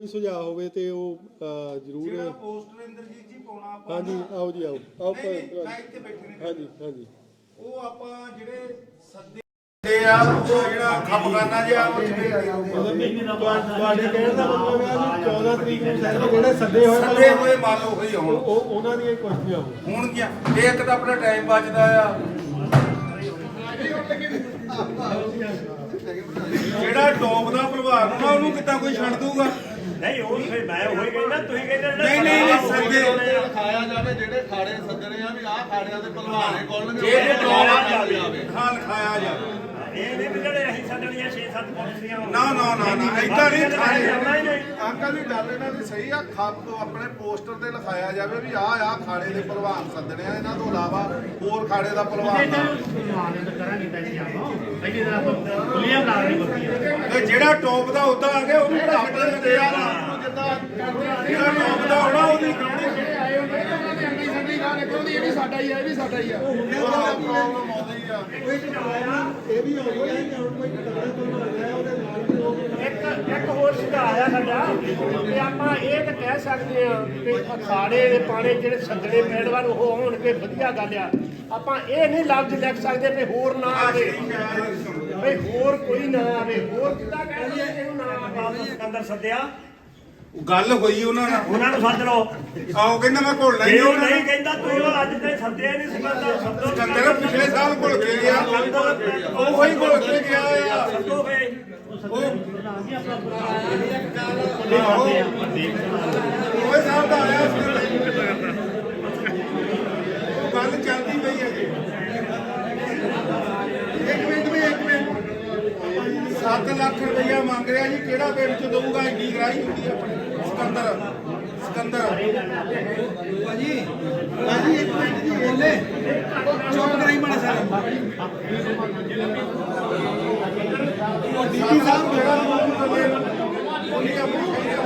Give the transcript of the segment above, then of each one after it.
ਸੁਝਾਅ ਹੋਵੇ ਤੇ ਉਹ ਜ਼ਰੂਰ ਜਿਹੜਾ ਪੋਸਟਰ ਇੰਦਰਜੀਤ ਜੀ ਪਾਉਣਾ ਆਪਾਂ ਹਾਂਜੀ ਆਓ ਜੀ ਆਓ ਆਓ ਮੈਂ ਇੱਥੇ ਬੈਠੇ ਨੇ ਹਾਂਜੀ ਹਾਂਜੀ ਉਹ ਆਪਾਂ ਜਿਹੜੇ ਸੱਦੇ ਆ ਉਹ ਜਿਹੜਾ ਖਪਖਾਨਾ ਜਿਹਾ ਉਹ ਤੁਹਾਡੇ ਕਹਿਣ ਦਾ ਮਤਲਬ ਹੈ ਵੀ 14 ਤਰੀਕ ਨੂੰ ਜਿਹੜੇ ਸੱਦੇ ਹੋਏ ਮੰਨ ਲਓ ਹੋਈ ਹੁਣ ਉਹਨਾਂ ਦੀਆਂ ਕੁਸ਼ਤੀਆਂ ਹੋਣਗੀਆਂ ਇਹ ਇੱਕ ਤਾਂ ਆਪਣਾ ਟਾਈਮ ਬਚਦਾ ਆ ਜਿਹੜਾ ਟੌਪ ਦਾ ਪ੍ਰਭਾਵ ਹੋਣਾ ਉਹਨੂੰ ਕਿੱਦਾਂ ਕੋਈ ਛੱਡ ਦੂਗਾ ਨਹੀਂ ਉਹ ਫਿਰ ਮੈਂ ਉਹੀ ਕਹਿੰਦਾ ਤੁਸੀਂ ਕਹਿੰਦੇ ਨਹੀਂ ਸੱਦੇ ਲਿਖਾਇਆ ਜਾਵੇ ਜਿਹੜੇ ਖਾੜੇ ਸੱਜਣੇ ਆ ਵੀ ਆਹ ਖਾੜਿਆਂ ਦੇ ਭਲਵਾਨੇ ਕੋਲਣਗੇ ਜੇ ਟੌਪ ਜਾਵੇ ਹਾਂ ਲਿਖਾਇਆ ਜਾਵੇ ਇਹ ਨਹੀਂ ਵੀ ਜਿਹੜੇ ਅਸੀਂ ਸਾਡੀਆਂ 6-7 ਪੁਲਿਸੀਆਂ ਨਾ ਏਦਾਂ ਨਹੀਂ ਲਿਖਾਇਆ ਅੰਕਲ ਦੀ ਗੱਲ ਇਹਨਾਂ ਦੀ ਸਹੀ ਆ ਖੱਪ ਆਪਣੇ ਪੋਸਟਰ ਤੇ ਲਿਖਾਇਆ ਜਾਵੇ ਵੀ ਆਹ ਖਾੜੇ ਦੇ ਭਲਵਾਨ ਸੱਜਣੇ ਆ ਇਹਨਾਂ ਤੋਂ ਇਲਾਵਾ ਹੋਰ ਖਾੜੇ ਦਾ ਭਲਵਾਨ ਜਿਹੜਾ ਟੌਪ ਦਾ ਉਹਦਾ ਆ ਗਿਆ ਉਹਨੂੰ ਟੱਪ ਦਿੰਦੇ ਆ ਜਿੱਦਾਂ ਜਿਹੜਾ ਟੌਪ ਦਾ ਹੋਣਾ ਉਹਦੀ ਕਰਾਉਣੀ ਇਹ ਵੀ ਸਾਡਾ ਹੀ ਆ ਇਹ ਵੀ ਸਾਡਾ ਹੀ ਆ ਪ੍ਰੋਬਲਮ ਆਉਂਦੀ ਆ ਇਹ ਵੀ ਹੋ ਗਿਆ ਕਿ ਹੁਣ ਕੋਈ ਤਗੜਾ ਤੋਂ ਆਇਆ ਉਹਦੇ ਨਾਲ ਇੱਕ ਹੋਰ ਸੁਝਾਅ ਆ ਸਾਡਾ ਕਿ ਆਪਾਂ ਇਹ ਤਾਂ ਕਹਿ ਸਕਦੇ ਆ ਕਿ ਅਖਾੜੇ ਦੇ ਪਾਣੇ ਜਿਹੜੇ ਸੱਜਣੇ ਪੈੜਵਾਰ ਉਹ ਹੋਣਗੇ ਵਧੀਆ ਗੱਲ ਆ ਆਪਾਂ ਇਹ ਨਹੀਂ ਲਫ਼ਜ਼ ਲਿਖ ਸਕਦੇ ਵੀ ਹੋਰ ਨਾ ਆਵੇ ਵੀ ਹੋਰ ਕੋਈ ਨਾ ਆਵੇ ਹੋਰ ਕਿੱਦਾਂ ਕਹਿੰਦੇ ਇਹਨੂੰ ਨਾ ਆਵੇ ਸਿਕੰਦਰ ਸੱਦਿਆ ਗੱਲ ਹੋਈ ਉਹਨਾਂ ਨਾਲ ਉਹਨਾਂ ਨੂੰ ਸੱਦ ਲਓ ਆਓ ਕਹਿੰਦਾ ਮੈਂ ਘੋਲਣਾ ਜੇ ਹੀ ਉਹ ਨਹੀਂ ਕਹਿੰਦਾ ਤੁਸੀਂ ਉਹ ਅੱਜ ਤੇ ਸੱਦਿਆ ਨਹੀਂ ਸਿਕੰਦਰ ਸੱਦੋ ਕਹਿੰਦਾ ਪਿਛਲੇ ਸਾਲ ਘੁਲ ਕੇ ਗਿਆ ਉਹ ਹੀ ਘੁਲ ਕੇ ਗਿਆ ਆ ਸੱਦੋ ਫੇ ਉਹ ਸਾਹਿਬ ਦਾ ਆਇਆ ਉਹ ਗੱਲ ਚੱਲਦੀ ਪਈ ਹੈ ਜੀ ਇੱਕ ਮਿੰਟ 7 ਲੱਖ ਰੁਪਇਆ ਮੰਗ ਰਿਹਾ ਜੀ ਕਿਹੜਾ ਪਿੰਡ ਚ ਦਊਗਾ ਇੰਨੀ ਗਰਾਈ ਹੁੰਦੀ ਹੈ ਆਪਣੀ ਸਿਕੰਦਰ ਭਾਜੀ ਇੱਕ ਮਿੰਟ ਜੀ ਬੋਲੇ ਚੁੱਪ ਕਰਾਈ ਮਾੜਾ ਸਾਰਾ ਡੀਪੀ ਸਾਹਿਬ ਜਿਹੜਾ ਮੌਜੂਦ ਹੋਵੇ ਉਹਨੇ ਆਪਣੀ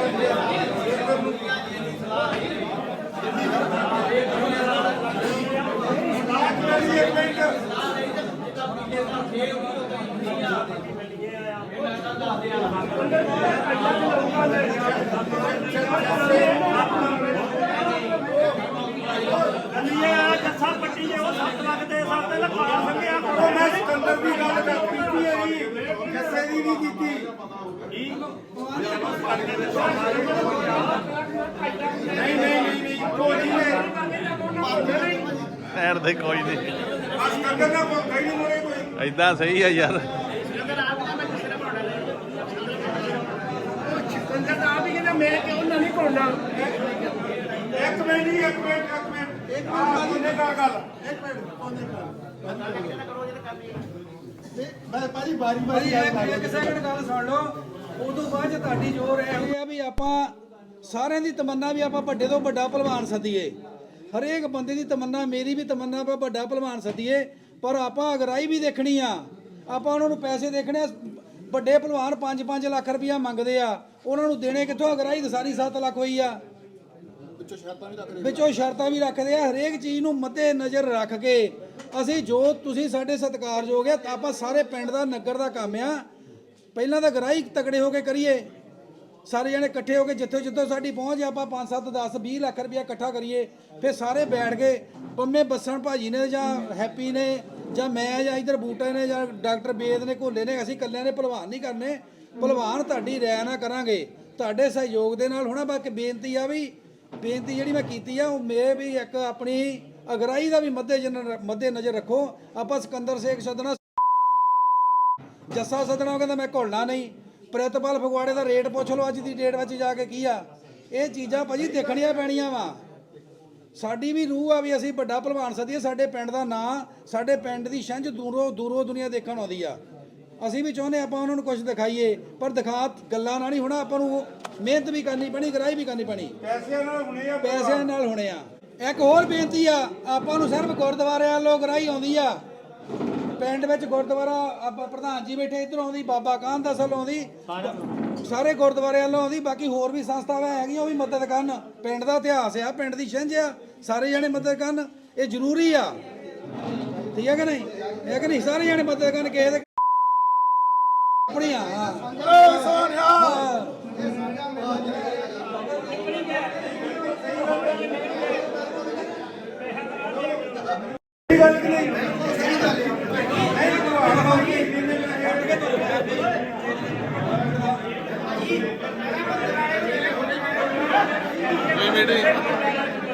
ਜੱਸਾ ਪੱਟੀ ਜੇ ਉਹ 7 ਲੱਖ ਦੇ ਹਿਸਾਬ ਤੇ ਲਖਾਇਆ ਸੰਗਿਆ ਉਹ ਮੈਂ ਸਿਕੰਦਰ ਦੀ ਗੱਲ ਕਰ ਕੀਤੀ ਹੈ ਜੀ ਕਿਸੇ ਦੀ ਨਹੀਂ ਕੀਤੀ ਨਹੀਂ ਕੋਈ ਨਹੀਂ ਐਡ ਦੇ ਕੋਈ ਨਹੀਂ ਆ ਸਿਕੰਦਰ ਦਾ ਮੌਕਾ ਹੀ ਨਹੀਂ ਮੁੜੇ ਕੋਈ ਐਦਾਂ ਸਹੀ ਆ ਯਾਰ ਸੰਜਾ ਤਾਂ ਆਪ ਹੀ ਕਹਿੰਦਾ ਮੈਂ ਕਿਉਂ ਨਹੀਂ ਘੋਲਣਾ ਇੱਕ ਮਿੰਟ ਉਹਨੇ ਕਾ ਗੱਲ ਮੈਂ ਭਾਜੀ ਬਾਰੀ ਇੱਕ ਸੈਕਿੰਡ ਗੱਲ ਸੁਣ ਲਓ ਉਦੋਂ ਬਾਅਦ ਚ ਤੁਹਾਡੀ ਜ਼ੋਰ ਇਹ ਆ ਵੀ ਆਪਾਂ ਸਾਰਿਆਂ ਦੀ ਤਮੰਨਾ ਵੀ ਆਪਾਂ ਵੱਡੇ ਤੋਂ ਵੱਡਾ ਭਲਵਾਨ ਸੱਦੀਏ ਹਰੇਕ ਬੰਦੇ ਦੀ ਤਮੰਨਾ ਮੇਰੀ ਵੀ ਤਮੰਨਾ ਆਪਾਂ ਵੱਡਾ ਭਲਵਾਨ ਸੱਦੀਏ ਪਰ ਆਪਾਂ ਅਗਰਾਈ ਵੀ ਦੇਖਣੀ ਆ ਆਪਾਂ ਉਹਨਾਂ ਨੂੰ ਪੈਸੇ ਦੇਖਣੇ ਆ ਵੱਡੇ ਭਲਵਾਨ 5-5 ਲੱਖ ਰੁਪਇਆ ਮੰਗਦੇ ਆ ਉਹਨਾਂ ਨੂੰ ਦੇਣੇ ਕਿੱਥੋਂ ਅਗਰਾਈ ਤਾਂ ਸਾਰੀ 7 ਲੱਖ ਹੋਈ ਆ ਵਿੱਚੋਂ ਸ਼ਰਤਾਂ ਵੀ ਰੱਖਦੇ ਆ ਹਰੇਕ ਚੀਜ਼ ਨੂੰ ਮੱਦੇ ਨਜ਼ਰ ਰੱਖ ਕੇ ਅਸੀਂ ਜੋ ਤੁਸੀਂ ਸਾਡੇ ਸਤਿਕਾਰਯੋਗ ਆ ਤਾਂ ਆਪਾਂ ਸਾਰੇ ਪਿੰਡ ਦਾ ਨਗਰ ਦਾ ਕੰਮ ਆ ਪਹਿਲਾਂ ਤਾਂ ਗਰਾਈ ਤਕੜੇ ਹੋ ਕੇ ਕਰੀਏ ਸਾਰੇ ਜਣੇ ਇਕੱਠੇ ਹੋ ਕੇ ਜਿੱਥੋਂ ਸਾਡੀ ਪਹੁੰਚ ਆਪਾਂ 5-7 10 20 ਲੱਖ ਰੁਪਇਆ ਇਕੱਠਾ ਕਰੀਏ ਫਿਰ ਸਾਰੇ ਬੈਠ ਕੇ ਪੰਮੇ ਬੱਸਣ ਭਾਜੀ ਨੇ ਜਾਂ ਹੈਪੀ ਨੇ ਜਾਂ ਮੈਂ ਜਾਂ ਇਧਰ ਬੂਟੇ ਨੇ ਜਾਂ ਡਾਕਟਰ ਬੇਦ ਨੇ ਘੋਲੇ ਨੇ ਅਸੀਂ ਇਕੱਲਿਆਂ ਨੇ ਭਲਵਾਨ ਨਹੀਂ ਕਰਨੇ ਭਲਵਾਨ ਤੁਹਾਡੀ ਰਾਇ ਨਾਲ ਕਰਾਂਗੇ ਤੁਹਾਡੇ ਸਹਿਯੋਗ ਦੇ ਨਾਲ ਹੋਣਾ ਬਾਕੀ ਬੇਨਤੀ ਜਿਹੜੀ ਮੈਂ ਕੀਤੀ ਆ ਉਹ ਮੈਂ ਵੀ ਇੱਕ ਆਪਣੀ ਅਗਰਾਈ ਦਾ ਵੀ ਮੱਦੇ ਨਜ਼ਰ ਰੱਖੋ ਆਪਾਂ ਸਿਕੰਦਰ ਸੇਖ ਸੱਦਣਾ ਜੱਸਾ ਸੱਦਣਾ ਉਹ ਕਹਿੰਦਾ ਮੈਂ ਘੁਲਣਾ ਨਹੀਂ ਪ੍ਰਿਤਪਾਲ ਫਗਵਾੜੇ ਦਾ ਰੇਟ ਪੁੱਛ ਲਓ ਅੱਜ ਦੀ ਡੇਟ ਵਿੱਚ ਜਾ ਕੇ ਕੀ ਆ ਇਹ ਚੀਜ਼ਾਂ ਭਾਜੀ ਦੇਖਣੀਆਂ ਪੈਣੀਆਂ ਵਾ ਸਾਡੀ ਵੀ ਰੂਹ ਆ ਵੀ ਅਸੀਂ ਵੱਡਾ ਭਲਵਾਨ ਸੱਦੀਏ ਸਾਡੇ ਪਿੰਡ ਦਾ ਨਾਂ ਸਾਡੇ ਪਿੰਡ ਦੀ ਛੰਝ ਦੂਰੋਂ ਦੁਨੀਆ ਦੇਖਣ ਆਉਂਦੀ ਆ ਅਸੀਂ ਵੀ ਚਾਹੁੰਦੇ ਆਪਾਂ ਉਹਨਾਂ ਨੂੰ ਕੁਝ ਦਿਖਾਈਏ ਪਰ ਦਿਖਾ ਗੱਲਾਂ ਨਾਲ ਨਹੀਂ ਹੋਣਾ ਆਪਾਂ ਨੂੰ ਮਿਹਨਤ ਵੀ ਕਰਨੀ ਪੈਣੀ ਗਰਾਈ ਵੀ ਕਰਨੀ ਪੈਣੀ ਪੈਸਿਆਂ ਨਾਲ ਹੋਣੇ ਆ ਇੱਕ ਹੋਰ ਬੇਨਤੀ ਆ ਆਪਾਂ ਨੂੰ ਸਿਰਫ ਗੁਰਦੁਆਰੇ ਵੱਲੋਂ ਗਰਾਈ ਆਉਂਦੀ ਆ ਪਿੰਡ ਵਿੱਚ ਗੁਰਦੁਆਰਾ ਆਪਾਂ ਪ੍ਰਧਾਨ ਜੀ ਬੈਠੇ ਇੱਧਰ ਆਉਂਦੀ ਬਾਬਾ ਕਾਹਨ ਦਾ ਵੱਲੋਂ ਆਉਂਦੀ ਸਾਰੇ ਗੁਰਦੁਆਰੇ ਵੱਲੋਂ ਆਉਂਦੀ ਬਾਕੀ ਹੋਰ ਵੀ ਸੰਸਥਾਵਾਂ ਹੈਗੀਆਂ ਉਹ ਵੀ ਮਦਦ ਕਰਨ ਪਿੰਡ ਦਾ ਇਤਿਹਾਸ ਆ ਪਿੰਡ ਦੀ ਛਿੰਝ ਆ ਸਾਰੇ ਜਣੇ ਮਦਦ ਕਰਨ ਇਹ ਜ਼ਰੂਰੀ ਆ ਠੀਕ ਹੈ ਕਿ ਨਹੀਂ ਸਾਰੇ ਜਣੇ ਮਦਦ ਕਰਨ ਕਿਸੇ ਦੇ ਆਪਣੀਆਂ ਸੋਨਿਆ ਕੋਈ ਮੀਟਿੰਗ